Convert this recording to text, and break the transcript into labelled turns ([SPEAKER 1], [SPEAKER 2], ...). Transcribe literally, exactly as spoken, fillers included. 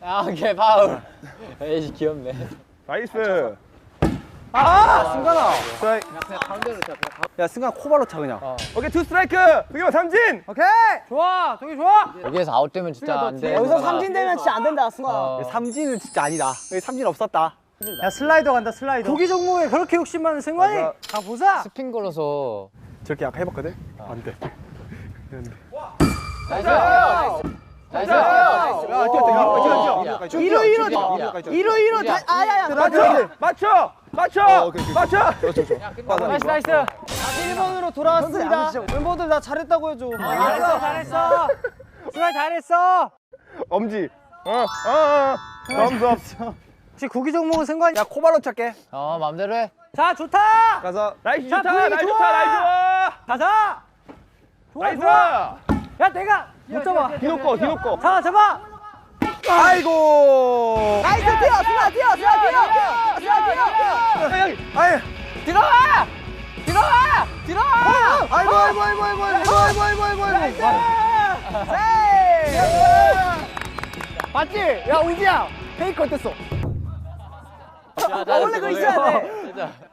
[SPEAKER 1] 아, 오케이, 파울. 에이, 귀엽네.
[SPEAKER 2] 나이스.
[SPEAKER 3] 아, 승관아.
[SPEAKER 2] 스트라이크.
[SPEAKER 1] 그냥 가운데로 차.
[SPEAKER 3] 야, 승관 코발로 차 그냥.
[SPEAKER 1] 어.
[SPEAKER 2] 오케이, 투 스트라이크. 동현 삼진.
[SPEAKER 3] 오케이. 좋아, 동이 좋아.
[SPEAKER 1] 여기에서 아웃되면 진짜 안 돼.
[SPEAKER 4] 여기서 삼진 되면 진짜 안 된다, 승관아.
[SPEAKER 1] 어.
[SPEAKER 3] 삼진은 진짜 아니다. 여기 삼진 없었다.
[SPEAKER 4] 야, 슬라이더 간다, 슬라이더.
[SPEAKER 3] 고기 종목에 그렇게 욕심 많은 승관이?
[SPEAKER 2] 맞아.
[SPEAKER 3] 가 보자.
[SPEAKER 1] 스핀 걸어서.
[SPEAKER 2] 저렇게 아까 해봤거든? 안 돼.
[SPEAKER 1] 나이스! 나이스!
[SPEAKER 2] 야, 뛰었다. 뛰어,
[SPEAKER 3] 이루, 이루, 이루, 이루, 다, 아야야.
[SPEAKER 2] 맞춰! 맞춰! 맞춰! 맞춰!
[SPEAKER 3] 나이스, 나이스. 일 번으로 돌아왔습니다. 멤버들 나 잘했다고 해줘. 잘했어, 잘했어. 승관 잘했어.
[SPEAKER 2] 엄지. 어, 어, 어. 넘섭.
[SPEAKER 3] 혹시 고기 종목은 승관이? 야, 코발로 찰게.
[SPEAKER 1] 어, 맘대로 해.
[SPEAKER 3] 자, 좋다.
[SPEAKER 2] 가서. 나이스
[SPEAKER 3] 자,
[SPEAKER 2] 좋다,
[SPEAKER 3] 분위기
[SPEAKER 2] 나이스
[SPEAKER 3] 좋아.
[SPEAKER 2] 좋다, 나이스 좋아.
[SPEAKER 3] 가자. 좋아,
[SPEAKER 2] 나이스.
[SPEAKER 3] 좋아. 야, 내가 못 잡아.
[SPEAKER 2] 뒤놓고, 뒤놓고.
[SPEAKER 3] 잡아, 잡아.
[SPEAKER 2] 아이고.
[SPEAKER 4] 나이스, 뛰어, 승관아, 뛰어, 승관아, 뛰어. 승관아, 뛰어, 뛰어.
[SPEAKER 2] 여기. 아이.
[SPEAKER 1] 들어와! 들어와! 들어와!
[SPEAKER 2] 아이고, 아이고, 아이고, 아이고, 아이고, 아이고, 아이고, 아이고, 아이고.
[SPEAKER 3] 맞지? 야, 우지야. 페이크 어땠어?
[SPEAKER 1] 아,
[SPEAKER 4] 원래 그거 있어야 돼.